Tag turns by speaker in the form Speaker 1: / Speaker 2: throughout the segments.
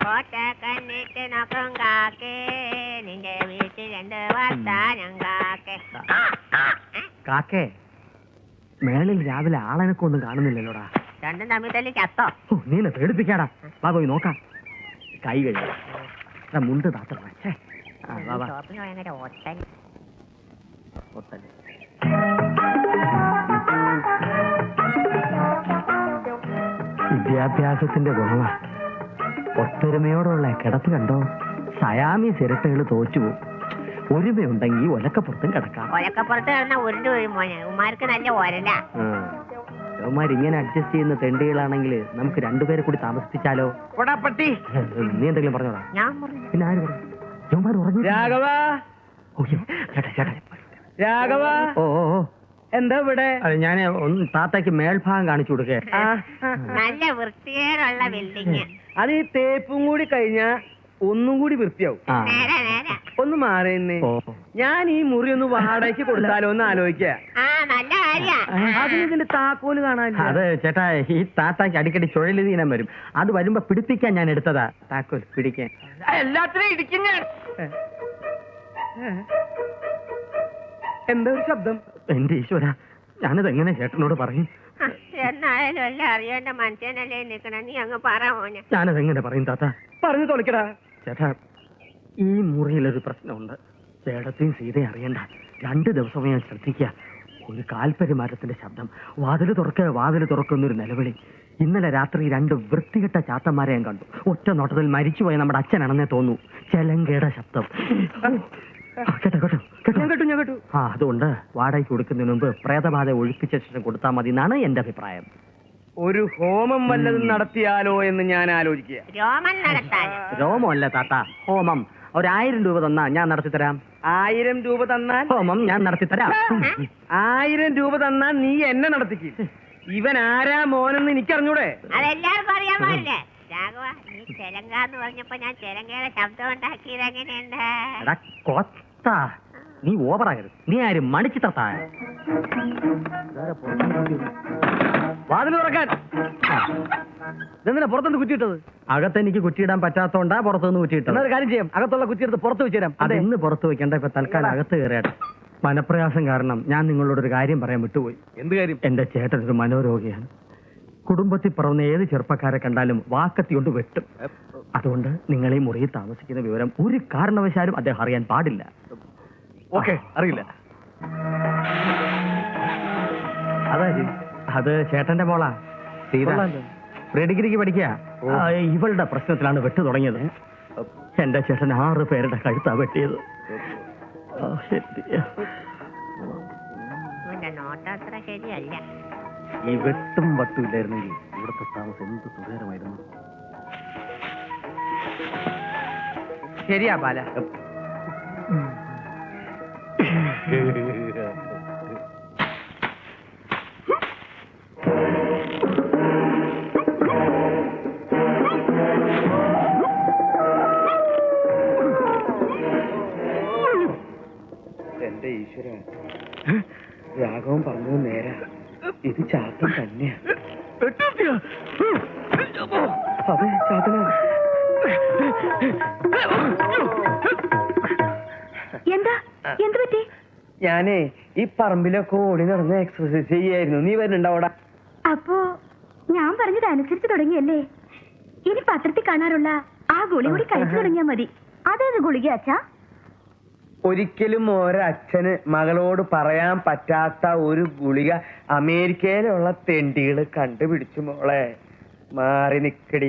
Speaker 1: കണ്ണിട്ട് നോക്കും കാക്കേ നിന്റെ വീട്ടിൽ രണ്ട് വർത്താനം കാക്കേ.
Speaker 2: കാക്കേ മേളിൽ രാവിലെ ആളെനക്കൊന്നും കാണുന്നില്ലല്ലോടാ.
Speaker 1: രണ്ടും തമ്മിൽ തല്ലി ചത്തോ?
Speaker 2: നീ എന്നെ പേടിപ്പിക്കാടാ. വാ പോയി നോക്കാം. കൈ കഴിയാ മുണ്ട് താത്ത. വിദ്യാഭ്യാസത്തിന്റെ ഗുണമാ. ഒത്തൊരുമയോടുള്ള കിടപ്പ് കണ്ടോ? സയാമി സിരട്ടകൾ തോറ്റുപോകും. ഒരുമയുണ്ടെങ്കിൽ ഒലക്കപ്പുറത്തും കിടക്കാം.
Speaker 1: ഒലക്കപ്പുറത്ത് കിടന്ന ഉരുണ്ട് വീഴും മോനെ. ഉമാർക്ക് നല്ല ഒരല.
Speaker 2: ഇങ്ങനെ അഡ്ജസ്റ്റ് ചെയ്യുന്ന തെണ്ടികളാണെങ്കിൽ നമുക്ക് രണ്ടുപേരെ കൂടി താമസിപ്പിച്ചാലോ? നീ എന്തെങ്കിലും പറഞ്ഞോടാ? പിന്നെ ആര് പറഞ്ഞു?
Speaker 3: രാഘവ
Speaker 2: ഓ
Speaker 3: എന്താ ഇവിടെ?
Speaker 2: ഞാൻ ഒന്ന് താത്തയ്ക്ക് മേൽഭാഗം കാണിച്ചു കൊടുക്കേ.
Speaker 1: നല്ല വൃത്തികേടുള്ള ബിൽഡിങ്.
Speaker 3: അത് ഈ തേപ്പും കൂടി കഴിഞ്ഞാ ഒന്നും കൂടി വൃത്തിയാവും. ഒന്ന് മാറിയെന്നേ. ഞാൻ ഈ മുറി ഒന്ന് വാടകയ്ക്ക് കൊടുത്താലോ എന്ന് ആലോചിക്ക. അതിന്റെ താക്കോല് കാണാൻ.
Speaker 2: അത് ചേട്ടാ, ഈ താത്താക്ക് അടിക്കടി ചുഴലിതീനം വരും. അത് വരുമ്പോ പിടിപ്പിക്കാൻ ഞാൻ എടുത്തതാ താക്കോൽ പിടിക്കാൻ.
Speaker 3: എല്ലാത്തിനും ഇടിക്കും ഞാൻ. എന്താ ഒരു ശബ്ദം?
Speaker 2: എന്റെ ഈശ്വര, ഞാനത് എങ്ങനെ ചേട്ടനോട് പറയും?
Speaker 1: എന്നായാലും എല്ലാം അറിയേണ്ട മനുഷ്യനല്ലേ നിക്കണ. നീ അങ്ങ് പറ മോനെ.
Speaker 2: ഞാനത് എങ്ങനെ പറയും താത്ത?
Speaker 3: പറഞ്ഞു തുളക്കടാ.
Speaker 2: ചേട്ടാ, ഈ മുറിയിലൊരു പ്രശ്നമുണ്ട്. ചേട്ടത്തെയും സീതയും അറിയണ്ട. 2 ദിവസമേ ഞാൻ ശ്രദ്ധിക്കുക. ഒരു കാൽപരിമാറ്റത്തിന്റെ ശബ്ദം. വാതില് തുറക്കുന്നൊരു നിലവിളി. ഇന്നലെ രാത്രി 2 വൃത്തികെട്ട ചാത്തന്മാരെ ഞാൻ കണ്ടു. ഒറ്റ നോട്ടത്തിൽ മരിച്ചുപോയ നമ്മുടെ അച്ഛനാണെന്നേ തോന്നൂ. ചെലങ്കയുടെ ശബ്ദം. കേട്ടോ. അതുകൊണ്ട് വാടകയ്ക്ക് കൊടുക്കുന്നതിന് മുമ്പ് പ്രേതബാധ ഒഴിപ്പിച്ച ശേഷം കൊടുത്താൽ മതി എന്നാണ് എന്റെ അഭിപ്രായം.
Speaker 3: ഒരു ഹോമം വല്ലതും നടത്തിയാലോ എന്ന് ഞാൻ ആലോചിക്കുക.
Speaker 2: രോമമല്ല താത്ത, ഹോമം. 1000 രൂപ തന്നാ ഞാൻ നടത്തിത്തരാം.
Speaker 3: 1000 രൂപ തന്നാൽ
Speaker 2: ഹോമം ഞാൻ നടത്തിത്തരാം.
Speaker 3: 1000 രൂപ തന്നാൽ നീ എന്നെ നടത്തിക്കും. ഇവൻ ആരാ മോനെന്ന് എനിക്കറിഞ്ഞൂടെ?
Speaker 1: അതെല്ലാവർക്കും അറിയാൻ പാടില്ലേ? രാഘവ, നീ ചെലങ്കാന്ന് പറഞ്ഞപ്പോ ഞാൻ ചെലങ്കയുടെ ശബ്ദം ഉണ്ടാക്കിയത് എങ്ങനെയുണ്ട്?
Speaker 2: നീ ഓവറാകരുത്. നീ ആരും മണിച്ചിട്ടാ.
Speaker 3: വാതിൽ തുറക്കാൻ. ഇതെന്തിനാ പുറത്തുനിന്ന് കുറ്റിയിട്ടത്?
Speaker 2: അകത്തെനിക്ക് കുറ്റിയിടാൻ പറ്റാത്തോണ്ടാ പുറത്തുനിന്ന് കുറ്റിയിട്ടത്.
Speaker 3: ഒരു കാര്യം ചെയ്യാം, അകത്തുള്ള കുറ്റിയെടുത്ത് പുറത്ത് വെച്ചുതരാം.
Speaker 2: അത് ഇന്ന് പുറത്ത് വെക്കണ്ട, ഇപ്പൊ തൽക്കാലം അകത്ത് കയറിയാട്ടെ. മനപ്രയാസം കാരണം ഞാൻ നിങ്ങളോടൊരു കാര്യം പറയാൻ വിട്ടുപോയി.
Speaker 3: എന്ത് കാര്യം?
Speaker 2: എന്റെ ചേട്ടൻ ഒരു മനോരോഗിയാണ്. കുടുംബത്തിൽ പറവുന്ന ഏത് ചെറുപ്പക്കാരെ കണ്ടാലും വാക്കത്തി കൊണ്ട് വെട്ടും. അതുകൊണ്ട് നിങ്ങൾ ഈ മുറിയിൽ താമസിക്കുന്ന വിവരം ഒരു കാരണവശാലും അദ്ദേഹം അറിയാൻ പാടില്ല.
Speaker 3: ഓക്കെ, അറിയില്ല.
Speaker 2: അത് ചേട്ടന്റെ മോളാ സീത. പ്രീഡിഗ്രിക്ക് പഠിക്കുക. ഇവളുടെ പ്രശ്നത്തിലാണ് വെട്ട് തുടങ്ങിയത്. എന്റെ ചേട്ടൻ 6 പേരുടെ കഴുത്താ വെട്ടിയത്.
Speaker 1: ശരിയല്ല.
Speaker 2: ഈ വെട്ടും വട്ടും ഇല്ലായിരുന്നെങ്കിൽ ഇവിടുത്തെ താമസം എന്ത് സുഖകരമായിരുന്നു.
Speaker 3: ശരിയാ ബാല. എന്റെ ഈശ്വര, രാഘവൻ പറഞ്ഞത് നേരാ. ഇത് ചാത്തൻ തന്നെയാ. അതെ, ചാത്തനാ.
Speaker 1: എന്ത് പറ്റി?
Speaker 3: ഞാനേ ഈ പറമ്പിലൊക്കെ ഓടി നടന്ന് എക്സർസൈസ് ചെയ്യായിരുന്നു. നീ വരുന്നുണ്ടാവടാ?
Speaker 1: അപ്പോ ഞാൻ പറഞ്ഞത് അനുസരിച്ച് തുടങ്ങിയല്ലേ? ഇനി പത്രത്തിൽ കാണാറുള്ള ആ ഗുളി കൂടി കഴിച്ചു തുടങ്ങിയാ മതി. അതേത് ഗുളിക അച്ഛാ?
Speaker 3: ഒരിക്കലും ഒരച്ഛന് മകളോട് പറയാൻ പറ്റാത്ത ഒരു ഗുളിക അമേരിക്കയിലുള്ള തെണ്ടികള് കണ്ടുപിടിച്ചു മോളെ. മാറി നിക്കടി.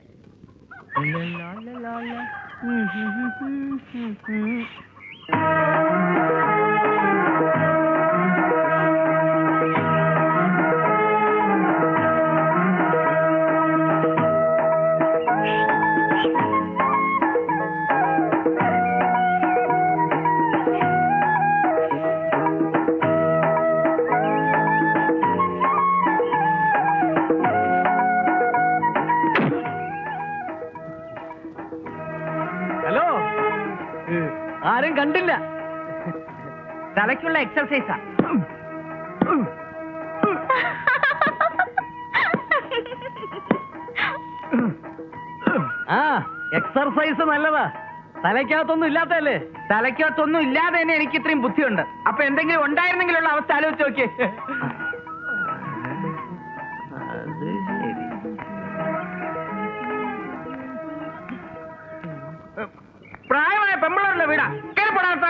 Speaker 3: ആരും കണ്ടില്ല. തലയ്ക്കുള്ള എക്സർസൈസാ. എക്സർസൈസ് നല്ലതാ. തലയ്ക്കകത്തൊന്നും ഇല്ലാത്തല്ലേ?
Speaker 4: തലയ്ക്കകത്തൊന്നും ഇല്ലാതെ തന്നെ എനിക്ക് ഇത്രയും ബുദ്ധിയുണ്ട്. അപ്പൊ എന്തെങ്കിലും ഉണ്ടായിരുന്നെങ്കിലുള്ള അവസ്ഥ ആലോചിച്ച് നോക്കിയേ. പ്രായമായ പെമ്പിളറുള്ള വീടാ. കേൾപ്പെടാത്ത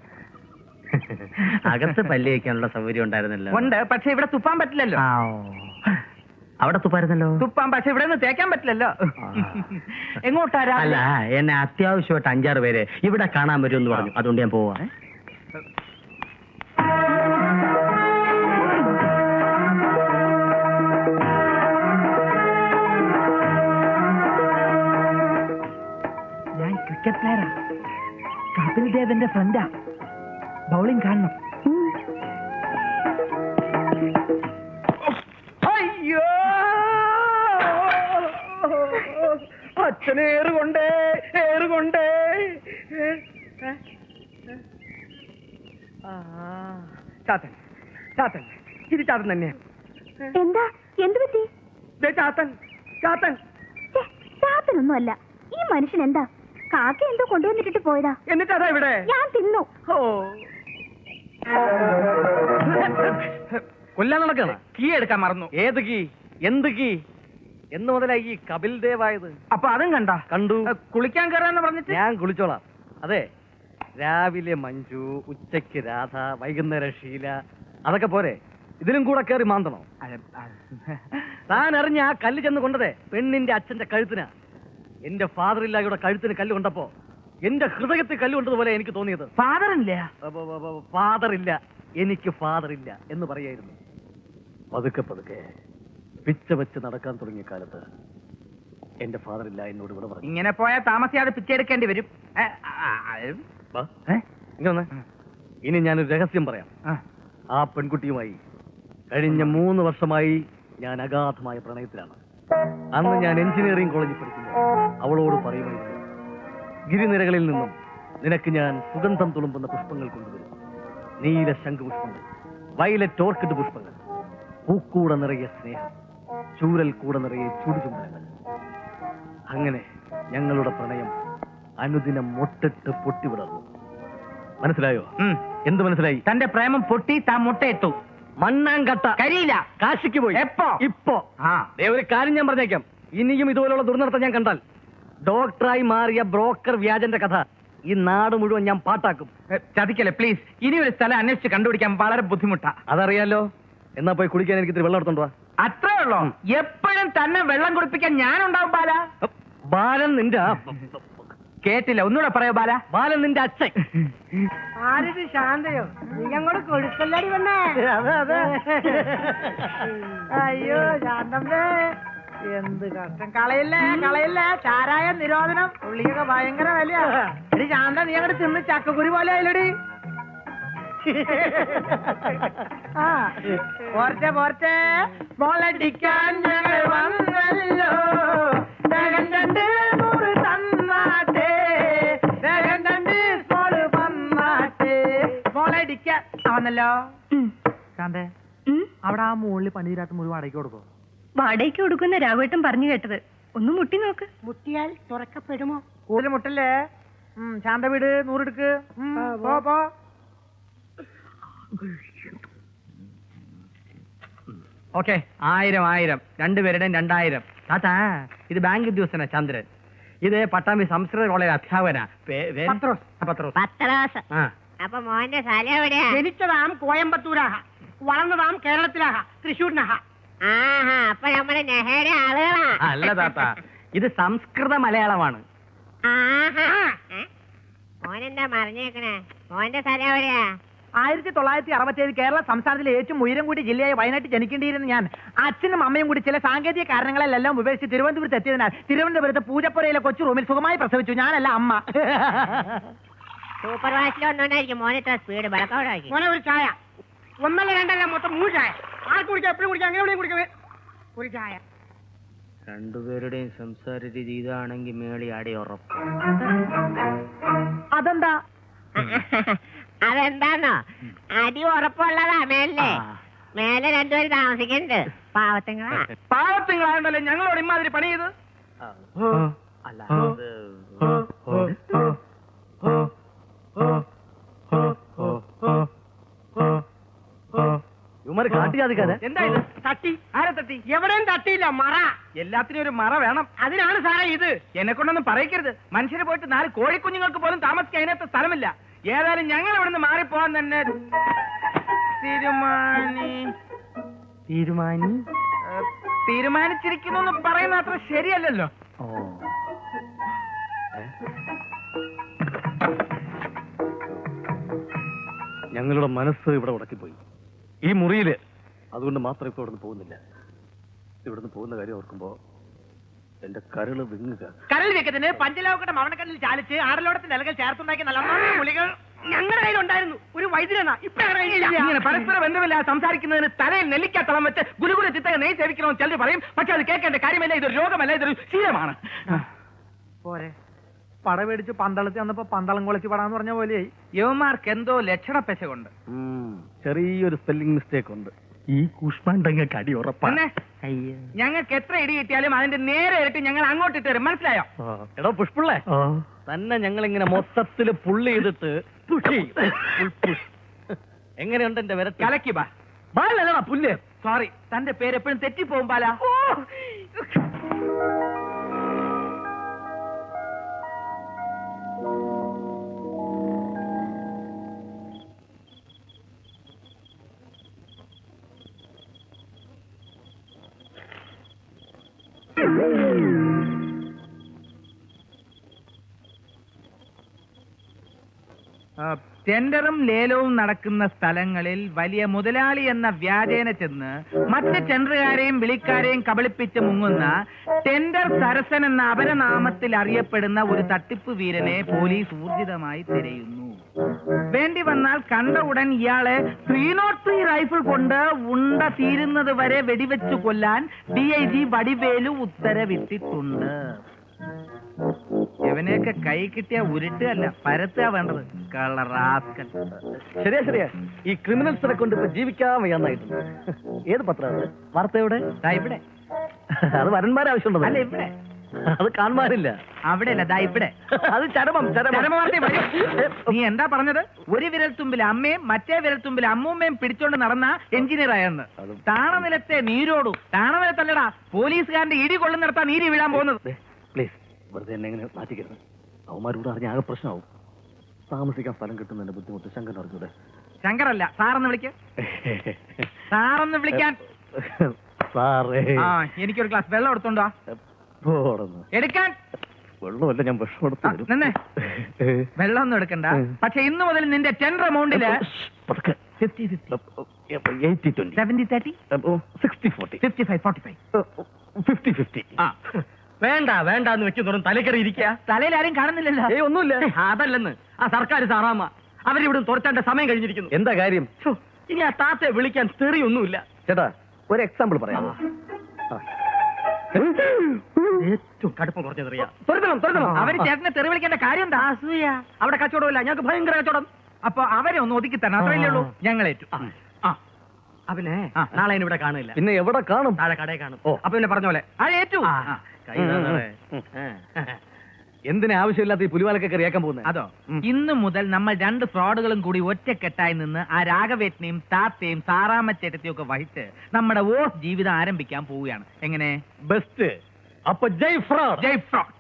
Speaker 2: അകത്ത് പല്ല് വയ്ക്കാനുള്ള സൗകര്യം ഉണ്ടായിരുന്നല്ലോ.
Speaker 4: ഉണ്ട്, പക്ഷെ ഇവിടെ തുപ്പാൻ പറ്റില്ലല്ലോ.
Speaker 2: അവിടെ തുപ്പായിരുന്നല്ലോ.
Speaker 4: തുപ്പാൻ, പക്ഷെ ഇവിടെ നിന്ന് തേക്കാൻ പറ്റില്ലല്ലോ. എങ്ങോട്ടാ?
Speaker 2: അല്ല, എന്നെ അത്യാവശ്യമായിട്ട് 5-6 പേര് ഇവിടെ കാണാൻ വരുമെന്ന് പറഞ്ഞു. അതുകൊണ്ട് ഞാൻ പോവാ.
Speaker 4: ഞാൻ ക്രിക്കറ്റ് പ്ലെയറാ. കപിൽ ദേവന്റെ ഫ്രണ്ടാ. ബൗളിംഗ് കാണണം. അയ്യോ, അച്ഛനെ ഏറുകൊണ്ടേ ഏറുകൊണ്ടേ. ചാത്തൻ ചാത്തൻ, ഇത് ചാത്തൻ തന്നെയാ.
Speaker 1: എന്താ? എന്ത് പറ്റി?
Speaker 4: ചാത്തൻ ചാത്തൻ.
Speaker 1: ചാത്തനൊന്നും അല്ല. ഈ മനുഷ്യൻ എന്താ? കാക്ക എന്തോ കൊണ്ടുവന്നിട്ടിട്ട് പോയതാ.
Speaker 4: എന്നിട്ട് അതാ ഇവിടെ.
Speaker 1: ഞാൻ തിന്നു.
Speaker 4: ഓ,
Speaker 3: കൊല്ലാൻ നടക്കണ
Speaker 4: കീ എടുക്കാൻ മറന്നു.
Speaker 3: ഏത് കീ? എന്ത് കീ? എന്ന് മുതലായി ഈ കപിൽ ദേവായത്?
Speaker 4: അപ്പൊ അതും കണ്ട?
Speaker 3: കണ്ടു.
Speaker 4: കുളിക്കാൻ കയറാന്ന് പറഞ്ഞിട്ട്
Speaker 3: ഞാൻ കുളിച്ചോളാം. അതെ, രാവിലെ മഞ്ജു, ഉച്ചയ്ക്ക് രാധ, വൈകുന്നേരം ഷീല, അതൊക്കെ പോരെ? ഇതിലും കൂടെ കയറി മാന്തണോ? താൻ അറിഞ്ഞ ആ കല്ല് ചെന്ന് കൊണ്ടതേ പെണ്ണിന്റെ അച്ഛന്റെ കഴുത്തിനാ. എന്റെ ഫാദർ ഇല്ലായുടെ കഴുത്തിന് കല്ല് കൊണ്ടപ്പോ എന്റെ ഹൃദയത്തിൽ കല്ല് കൊണ്ടതുപോലെ എനിക്ക് തോന്നിയത്.
Speaker 4: ഫാദർ ഇല്ല.
Speaker 3: ഫാദർ ഇല്ല, എനിക്ക് ഫാദർ ഇല്ല എന്ന് പറയായിരുന്നു. പതുക്കെ പതുക്കെ പിച്ച വെച്ച് നടക്കാൻ തുടങ്ങിയ കാലത്ത് എന്റെ ഫാദർ ഇല്ല എന്നോട് ഇവിടെ പറഞ്ഞു.
Speaker 4: ഇങ്ങനെ പോയാൽ താമസിയാതെ പിച്ചെടുക്കേണ്ടി വരും.
Speaker 3: ഇങ്ങനെ ഇനി ഞാനൊരു രഹസ്യം പറയാം. ആ പെൺകുട്ടിയുമായി കഴിഞ്ഞ 3 വർഷമായി ഞാൻ അഗാധമായ പ്രണയത്തിലാണ്. അന്ന് ഞാൻ എഞ്ചിനീയറിംഗ് കോളേജിൽ പഠിക്കുമ്പോൾ അവളോട് പറയുമായിരുന്നു, ഗിരിനിരകളിൽ നിന്നും നിനക്ക് ഞാൻ സുഗന്ധം തുളുമ്പുന്ന പുഷ്പങ്ങൾ കൊണ്ടുവരും. നീല ശംഖുപുഷ്പങ്ങൾ, വയലറ്റ് ഓർക്കിഡ് പുഷ്പങ്ങൾ, പൂക്കൂട നിറയെ സ്നേഹം, ചൂരൽ കൂടെ നിറയെ ചുടുചുംബനങ്ങൾ. അങ്ങനെ ഞങ്ങളുടെ പ്രണയം അനുദിനം മൊട്ടിട്ട് പൊട്ടിവിടർന്നു. മനസ്സിലായോ? എന്ത് മനസ്സിലായി?
Speaker 4: തന്റെ പ്രേമം പൊട്ടി, താൻ മുട്ടയിട്ടു.
Speaker 3: മണ്ണാങ്കട്ട
Speaker 4: കരിയില്ല.
Speaker 3: കാശിക്ക് പോയി.
Speaker 4: എപ്പോ?
Speaker 3: ഇപ്പോ. ഒരു കാര്യം ഞാൻ പറഞ്ഞേക്കാം, ഇനിയും ഇതുപോലുള്ള ദുർനടത്തം ഞാൻ കണ്ടാൽ ഡോക്ടറായി മാറിയ ബ്രോക്കർ വ്യാജന്റെ കഥ ഈ നാട് മുഴുവൻ ഞാൻ പാട്ടാക്കും.
Speaker 4: ചതിക്കല്ലേ പ്ലീസ്. ഇനി ഒരു സ്ഥലം അന്വേഷിച്ച് കണ്ടുപിടിക്കാൻ വളരെ ബുദ്ധിമുട്ടാ.
Speaker 3: അതറിയാലോ. എന്നാ പോയി കുളിക്കാൻ എനിക്ക് ഇത്തിരി വെള്ളം എടുത്തോണ്ട് വാ.
Speaker 4: അത്രേ ഉള്ളോ? എപ്പോഴും തന്നെ വെള്ളം കുടിപ്പിക്കാൻ ഞാനുണ്ടാവും ബാല.
Speaker 3: ബാലൻ നിന്റെ
Speaker 4: കേട്ടില്ല, ഒന്നുകൂടെ പറയോ ബാല.
Speaker 3: ബാലൻ നിന്റെ അച്ഛൻ.
Speaker 5: ആരിത് ശാന്തയോ? നീ അങ്ങോട്ട് കൊടുക്കല്ലടി വണ്ണേ.
Speaker 3: അതെ അതെ.
Speaker 5: അയ്യോ ശാന്തമ്മേ, എന്ത് കഷ്ടം. കളയില്ലേ കളയില്ലേ, ചാരായ നിരോധനം. ഉള്ളിയൊക്കെ ഭയങ്കര വിലയാ. എടി ശാന്ത, നീ അങ്ങോട്ട് തിന്ന് ചക്കക്കുരി പോലെ ആയില്ലടി. ആ പോർച്ചെ പോർച്ചെ മോളടിക്കാൻ ഞങ്ങൾ വന്നല്ലോ. രണ്ട് 100 തന്നാട്ടെ, രണ്ട് സ്മോള് വന്നാട്ടെ. മോളടിക്കാൻ ആവന്നല്ലോ. ശാന്തേ, അവിടെ ആ മുകളിൽ പണിതീരാത്ത മുറി വാടകയ്ക്ക് കൊടുക്കോ?
Speaker 1: വാടകയ്ക്ക് കൊടുക്കുന്ന രാഘവേട്ടൻ പറഞ്ഞു കേട്ടത്. ഒന്ന് മുട്ടി നോക്ക്.
Speaker 5: മുട്ടിയാൽ തുറക്കപ്പെടുമോ? കൂടുതൽ മുട്ടല്ലേ. ശാന്ത വീട് 100 എടുക്ക്. പോ.
Speaker 4: ഓക്കെ, 1000 രണ്ടുപേരുടെയും 2000.
Speaker 3: താത്താ, ഇത് ബാങ്ക് ഉദ്യോഗസ്ഥനാ ചന്ദ്രൻ. ഇത് പട്ടാമ്പി സംസ്കൃത കോളേജ് അധ്യാപകനാ.
Speaker 5: പത്രോസ്.
Speaker 3: പത്രോസ്. ആ.
Speaker 1: അപ്പൊ മോന്റെ സ്ഥലം എവിടെയാ?
Speaker 5: ജനിച്ചതാം കോയമ്പത്തൂരാഹ, വളർന്നതാം കേരളത്തിലാഹ, തൃശ്ശൂരിനാഹ.
Speaker 1: ആഹാ, അപ്പൊ നമ്മുടെ നെഹയുടെ ആളുകളാ.
Speaker 3: അല്ല താത്ത, ഇത് സംസ്കൃത മലയാളമാണ്.
Speaker 1: ആഹാ. മോനെന്താ മറിഞ്ഞേക്കണേ? മോന്റെ സ്ഥലം എവിടെയാ?
Speaker 5: 1967 കേരള സംസ്ഥാനത്തിലെ ഏറ്റവും ഉയരം കൂടിയ ജില്ലയായ വയനാട്ടിൽ ജനിക്കേണ്ടിയിരുന്ന ഞാൻ അച്ഛനും അമ്മയും കൂടി ചില സാങ്കേതിക കാരണങ്ങളെല്ലാം ഉപേക്ഷിച്ച് തിരുവനന്തപുരത്ത് എത്തിയതിനാൽ തിരുവനന്തപുരത്ത് പൂജപ്പുരയിലെ കൊച്ചു റൂമിൽ സുഖമായി പ്രസവിച്ചു. ഞാനല്ല, അമ്മ.
Speaker 1: സൂപ്പർ വാഷിൽ ഒന്നുകൊണ്ടായിരിക്കും മോനെ ഇത്ര സ്പീഡ്. ബലക്കോടാക്കി
Speaker 5: മോനെ ഒരു ചായ. 1 അല്ല 2 അല്ല, മൊത്തം 3 ചായ. ആർക്ക് കുടിക്കാം? എപ്പോഴും കുടിക്കാം, അങ്ങനെ കുടിക്കാം. ഒരു ചായ.
Speaker 2: രണ്ടുപേരുടെയും സംസാര രീതി ഇതാണെങ്കിൽ മേളി ആടി ഉറപ്പ്.
Speaker 5: അതെന്താ?
Speaker 1: അതെന്താന്നോ, അടി ഉറപ്പുള്ളതാ മേലെ. മേലെ 2 പേര് താമസിക്കുന്നുണ്ട്. പാവത്തുങ്ങളാ.
Speaker 4: പാവത്തിങ്ങളായോണ്ടല്ലേ ഞങ്ങളോട് ഇമാതിരി പണി ചെയ്ത്.
Speaker 2: അല്ല
Speaker 3: ഇവന്മാര് കാട്ടിയാതിക്കാതെ
Speaker 4: എന്താ ഇത്? തട്ടി? ആരെ തട്ടി? എവിടെയും തട്ടിയില്ല. മറ. എല്ലാത്തിനും ഒരു മറ വേണം. അതിനാണ് സാറേ ഇത്. എന്നെ കൊണ്ടൊന്നും പറയിക്കരുത്. മനുഷ്യര് പോയിട്ട് 4 കോഴിക്കുഞ്ഞുങ്ങൾക്ക് പോലും താമസിക്കാൻ അതിനകത്ത് സ്ഥലമില്ല. ഏതായാലും ഞങ്ങൾ ഇവിടുന്ന് മാറിപ്പോവാൻ തന്നെ തീരുമാനിച്ചിരിക്കുന്നു എന്ന് പറയുന്ന അത്ര ശരിയല്ലല്ലോ.
Speaker 3: ഞങ്ങളുടെ മനസ്സ് ഇവിടെ ഉടക്കിപ്പോയി. ഈ മുറിയില് അതുകൊണ്ട് മാത്രം ഇപ്പൊ ഇവിടുന്ന് പോകുന്നില്ല. ഇവിടുന്ന് പോകുന്ന കാര്യം ഓർക്കുമ്പോ എന്റെ കരള് വിങ്ങുക.
Speaker 5: കരൾ വെക്കത്തിന് പഞ്ചലോകട്ട മവണക്കല്ലിൽ ചാലിച്ച് ആടലോടത്തിന്റെ ഇലകൾ ചേർത്തുണ്ടാക്കി നല്ല ഗുളികൾ
Speaker 4: ഞങ്ങളുടെ കയ്യിലുണ്ടായിരുന്നു. ഒരു വൈദ്യനാ. ഇങ്ങനെ പരസ്പര ബന്ധമില്ലാതെ സംസാരിക്കുന്നതിന് തലയിൽ നെല്ലിക്കാത്തളം വെച്ച് ഗുലുഗുല ചിത്തക നെയ് സേവിക്കണമെന്ന് ചിലർ പറയും. പക്ഷെ അത് കേൾക്കേണ്ട കാര്യമല്ല. ഇതൊരു രോഗമല്ല, ഇതൊരു ശീലമാണ്.
Speaker 5: പോരെ പട മേടിച്ച് പന്തളത്തി വന്നപ്പോ പന്തളം കുളച്ച് പടാന്ന് പറഞ്ഞ പോലെയായി.
Speaker 4: യവന്മാർക്ക് എന്തോ ലക്ഷണപ്പെശകുണ്ട്.
Speaker 3: ചെറിയൊരു സ്പെല്ലിംഗ് മിസ്റ്റേക്ക് ഉണ്ട്.
Speaker 2: ഈ കൂഷ്മാണ്ടങ്ങൾക്ക് അടി ഉറപ്പാണ്.
Speaker 4: ഞങ്ങൾക്ക് എത്ര ഇടി കിട്ടിയാലും അതിന്റെ നേരെ ഇരട്ടി ഞങ്ങൾ അങ്ങോട്ട് ഇട്ട് തരും. മനസ്സിലായോ?
Speaker 3: എടോ പുഷ്പിള്ളേ, തന്നെ ഞങ്ങൾ ഇങ്ങനെ മൊത്തത്തില് പുള്ളി ചെയ്തിട്ട് എങ്ങനെയുണ്ട് എന്റെ വിരൽ?
Speaker 4: കലക്കി ബാ.
Speaker 3: ബാലല്ലടാ പുല്ല്.
Speaker 4: സോറി, തന്റെ പേര് എപ്പോഴും തെറ്റിപ്പോവും ബാല. ടെൻഡറും ലേലവും നടക്കുന്ന സ്ഥലങ്ങളിൽ വലിയ മുതലാളി എന്ന വ്യാജേന ചെന്ന് മറ്റ് ടെൻഡറുകാരെയും വിളിക്കാരെയും കബളിപ്പിച്ച് മുങ്ങുന്ന ടെൻഡർ സരസൻ എന്ന അപരനാമത്തിൽ അറിയപ്പെടുന്ന ഒരു തട്ടിപ്പ് വീരനെ പോലീസ് ഊർജിതമായി തിരയുന്നു. വേണ്ടി വന്നാൽ കണ്ട ഉടൻ ഇയാളെ 303 റൈഫിൾ കൊണ്ട് ഉണ്ട തീരുന്നത് വരെ വെടിവെച്ചു കൊല്ലാൻ DIG വടിവേലു ഉത്തരവിട്ടിട്ടുണ്ട്. ഇവനെയൊക്കെ കൈ കിട്ടിയ ഉരുട്ടുകയല്ല, പരത്തുക വേണ്ടത്. കളറാസ്കൻ.
Speaker 3: ശരിയാ. ഈ ക്രിമിനൽസിനെ കൊണ്ട് ഇപ്പൊ ജീവിക്കാൻ വയ്യാന്നായിട്ടുണ്ട്. ഏത് പത്രം? വാർത്തയുടെ
Speaker 4: ഇവിടെ.
Speaker 3: അത് വരന്മാരെ ആവശ്യമുണ്ടോ?
Speaker 4: അല്ല, ഇവിടെ.
Speaker 3: അത് കാണാനില്ല.
Speaker 4: അവിടെ അല്ല, ഇവിടെ.
Speaker 3: അത് ചരമം.
Speaker 4: നീ എന്താ പറഞ്ഞത്? ഒരു വിരൽത്തുമ്പിൽ അമ്മയും മറ്റേ വിരൽത്തുമ്പിൽ അമ്മൂമ്മയും പിടിച്ചോണ്ട് നടന്ന എഞ്ചിനീയർ ആയെന്ന്. താണനിലത്തെ നീരോടു. താണനിലത്തല്ലടാ, പോലീസുകാരന്റെ ഇടി കൊള്ളുന്നിടത്താ നീരി വീഴാൻ പോകുന്നത്.
Speaker 3: പ്ലീസ്, വെറുതെ എന്നെ എങ്ങനെ മാറ്റിക്കരുത്. അവന്മാരോട് അറിഞ്ഞ ആകെ പ്രശ്നമാവും. താമസിക്കാൻ സ്ഥലം കിട്ടുന്നതിന്റെ ബുദ്ധിമുട്ട് ശങ്കർ അറിഞ്ഞൂടെ?
Speaker 4: ശങ്കറല്ല, സാറെന്ന് വിളിക്ക. സാറെന്ന് വിളിക്കാൻ.
Speaker 3: സാറേ,
Speaker 4: എനിക്കൊരു ഗ്ലാസ് വെള്ളം എടുത്തോണ്ടോ? എടുക്കാൻ.
Speaker 3: വെള്ളമല്ല, ഞാൻ വിഷം എടുത്തു.
Speaker 4: നിന്നെ വെള്ളം ഒന്നും എടുക്കണ്ട. പക്ഷെ ഇന്ന് മുതൽ നിന്റെ ടെൻഡർ എമൗണ്ടില്
Speaker 3: 80-20,
Speaker 4: 70-30,
Speaker 3: 60-40,
Speaker 4: 55-45,
Speaker 3: 50-50.
Speaker 2: വേണ്ടെന്ന് വെക്കുന്നതും തലക്കറി ഇരിക്കുക.
Speaker 4: തലയിൽ ആരും കാണുന്നില്ലല്ലോ.
Speaker 3: ഒന്നുമില്ല.
Speaker 2: അതല്ലെന്ന് ആ സർക്കാർ സാറാമ്മ അവരിവിടെ തുറച്ചാണ്ട സമയം കഴിഞ്ഞിരിക്കുന്നു.
Speaker 3: എന്താ കാര്യം?
Speaker 2: ഇനി ആ താത്തയെ വിളിക്കാൻ തെറിയൊന്നുമില്ല.
Speaker 3: ചേട്ടാ, ഒരു എക്സാമ്പിൾ പറയാമോ?
Speaker 2: ഏറ്റവും കടുപ്പം കുറഞ്ഞ തെറിയാ.
Speaker 4: അവര് ചേട്ടനെ തെറി വിളിക്കേണ്ട കാര്യം എന്താ?
Speaker 2: അവിടെ കച്ചവടമില്ല, ഞങ്ങൾക്ക് ഭയങ്കര കച്ചവടം.
Speaker 4: അപ്പൊ അവരെ ഒന്ന് ഒതുക്കി തരണം, അത്രയല്ലേ ഉള്ളൂ. ഞങ്ങളേറ്റു.
Speaker 2: അവനെ നാളെ ഇവിടെ കാണില്ല.
Speaker 3: പിന്നെ എവിടെ കാണും?
Speaker 2: താഴെ കടയിൽ കാണും. അപ്പൊ പിന്നെ പറഞ്ഞ പോലെ
Speaker 4: ഏറ്റു.
Speaker 3: എന്തിനാ ആവശ്യമില്ലാത്ത ഈ പുലിവാലൊക്കെ കറിയാക്കാൻ പോകുന്നത്?
Speaker 4: അതോ, ഇന്നു മുതൽ നമ്മൾ 2 ഫ്രോഡുകളും കൂടി ഒറ്റക്കെട്ടായി നിന്ന് ആ രാഘവേട്ടനെയും താത്തയും സാറാമ്മച്ചേട്ടത്തെയും ഒക്കെ വഹിച്ച് നമ്മുടെ ജീവിതം ആരംഭിക്കാൻ പോവുകയാണ്. എങ്ങനെ?
Speaker 3: ബെസ്റ്റ്. അപ്പൊ ജയ് ഫ്രോഡ്.
Speaker 4: ജയ് ഫ്രോഡ്.